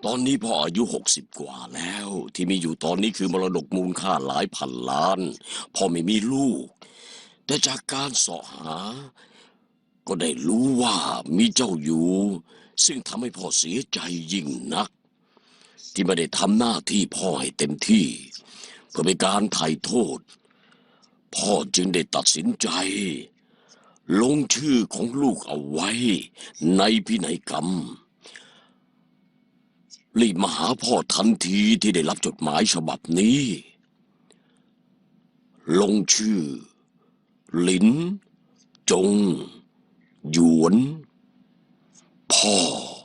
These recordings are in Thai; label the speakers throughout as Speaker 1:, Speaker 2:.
Speaker 1: ตอนนี้พ่ออายุ60กว่าแล้วที่มีอยู่ตอนนี้คือมรดกมูลค่าหลายพันล้านพ่อไม่มีลูกแต่จากการเสาะหาก็ได้รู้ว่ามีเจ้าอยู่ซึ่งทำให้พ่อเสียใจยิ่งนักที่ไม่ได้ทำหน้าที่พ่อให้เต็มที่เพื่อเป็นการไถ่โทษพ่อจึงได้ตัดสินใจลงชื่อของลูกเอาไว้ในพินัยกรรมรีบมาหาพ่อทันทีที่ได้รับจดหมายฉบับนี้ลงชื่อหลินจงหยวนพ่อ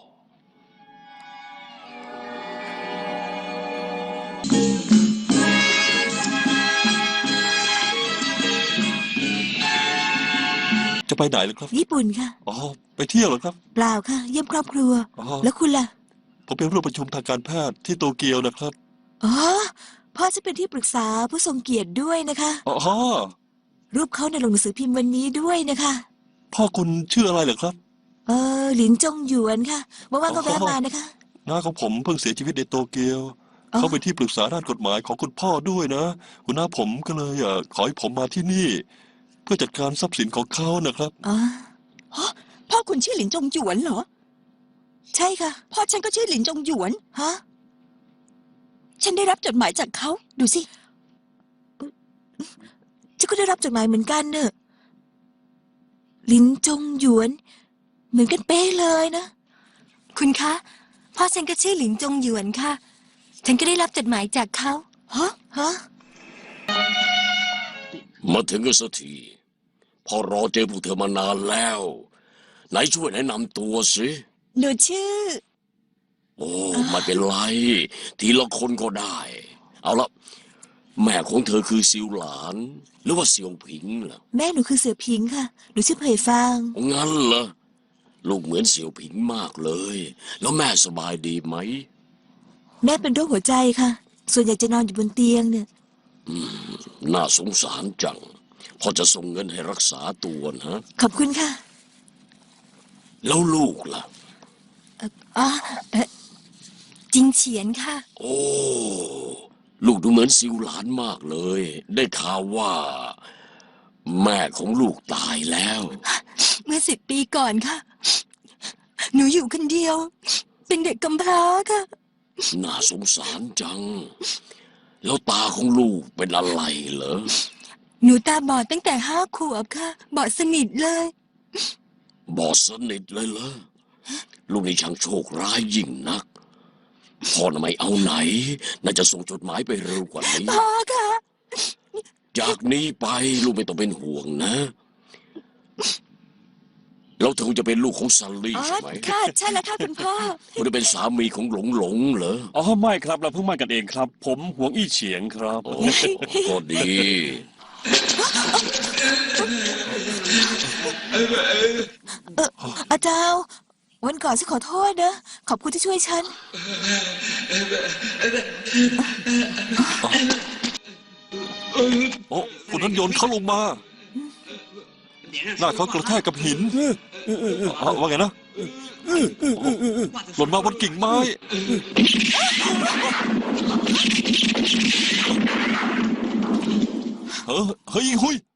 Speaker 2: จะไปไหนล่ะครับ
Speaker 3: ญี่ปุ่นค่ะ
Speaker 2: อ๋อไปเที่ยวเหรอครับ
Speaker 3: เปล่าค่ะเยี่ยมครอบครัว
Speaker 2: อ๋อ
Speaker 3: แล้วคุณล่ะ
Speaker 2: ผมเป็นร่วมประชุมทางการแพทย์ที่โตเกียวนะครับ
Speaker 3: อ๋อพ่อจะเป็นที่ปรึกษาผู้ทรงเกียรติด้วยนะคะ
Speaker 2: อ๋อ
Speaker 3: รูปเขาในลงหนังสือพิมพ์วันนี้ด้วยนะคะ
Speaker 2: พ่อคุณชื่ออะไรเหรอครับ
Speaker 3: หลินจงหยวนค่ะว่างๆก็แวะมานะคะ
Speaker 2: น้าของผมเพิ่งเสียชีวิตในโตเกียว
Speaker 3: อ๋อ
Speaker 2: เขาเป็นที่ปรึกษาด้านกฎหมายของคุณพ่อด้วยนะคุณน้าผมก็เลยขอให้ผมมาที่นี่เพื่อจัดการทรัพย์สินของเขานะครับ
Speaker 3: อ๋อ
Speaker 4: ฮะพ่อคุณชื่อหลินจงหยวนเหรอ
Speaker 3: ใช่ค่ะ
Speaker 4: พ่อฉันก็ชื่อหลินจงหยวน
Speaker 3: ฮะ
Speaker 4: ฉันได้รับจดหมายจากเขาดูสิ
Speaker 3: ฉันก็ได้รับจดหมายเหมือนกันเนอะหลินจงหยวนเหมือนกันเป๊ะเลยนะ
Speaker 5: คุณคะพ่อฉันก็ชื่อหลินจงหยวนค่ะฉันก็ได้รับจดหมายจากเขา
Speaker 3: ฮะ
Speaker 1: มาถึงกันสักทีพ่อรอเจอพวกเธอมานานแล้วไหนช่วยแนะนำตัวสิ
Speaker 4: หนูชื่อ
Speaker 1: โอ้ไม่เป็นไรทีละคนก็ได้เอาละแม่ของเธอคือซิวหลานหรือว่าเซียวผิงล่ะ
Speaker 3: แม่หนูคือเสือพิงค่ะหนูชื่อเผยฟาง
Speaker 1: งั้นเหรอลูกเหมือนเสี่ยวผิงมากเลยแล้วแม่สบายดีไหม
Speaker 3: แม่เป็นโรคหัวใจค่ะส่วนใหญ่จะนอนอยู่บนเตียงเนี่ย
Speaker 1: น่าสงสารจังพอจะส่งเงินให้รักษาตัวนะ
Speaker 3: ขอบคุณค่ะ
Speaker 1: แล้วลูกล่ะ
Speaker 5: อ๋อจริงเฉียนค่ะ
Speaker 1: โอ้ลูกดูเหมือนซิวหลานมากเลยได้ข่าวว่าแม่ของลูกตายแล้ว
Speaker 5: เมื่อ10 ปีก่อนค่ะหนูอยู่คนเดียวเป็นเด็กกำพร้าค่ะ
Speaker 1: น่าสงสารจังแล้วตาของลูกเป็นอะไรเหรอ
Speaker 5: หนูตาบอดตั้งแต่5 ขวบค่ะบอดสนิทเลย
Speaker 1: บอดสนิทเลยเหรอลูกนี่ช่างโชคร้ายยิ่งนักพ่อน่ะไม่เอาไหนน่าจะส่งจดหมายไปเร็วกว่านี้
Speaker 5: พ่อค่ะ
Speaker 1: จากนี้ไปลูกไม่ต้องเป็นห่วงนะแล้วเธอจะเป็นลูกของซันลี่ใช่ไหม
Speaker 5: ค่ะใช่แล้วค่ะคุณพ่อ
Speaker 1: คุณจะเป็นสามีของหลงเหรอ
Speaker 6: อ๋อไม่ครับเราเพิ่งมากันเองครับผมหวงอี้เฉียงครับ
Speaker 1: โอ้ก็ดี
Speaker 3: อาจารย์วันก่อนฉันขอโทษนะขอบคุณที่ช่วยฉัน
Speaker 2: โอ้คนนั้นโยนเขาลงมาหน้าเขากระแทกกับหินว่าไงนะหล่นมาบนกิ่งไม้เฮ้ยหุย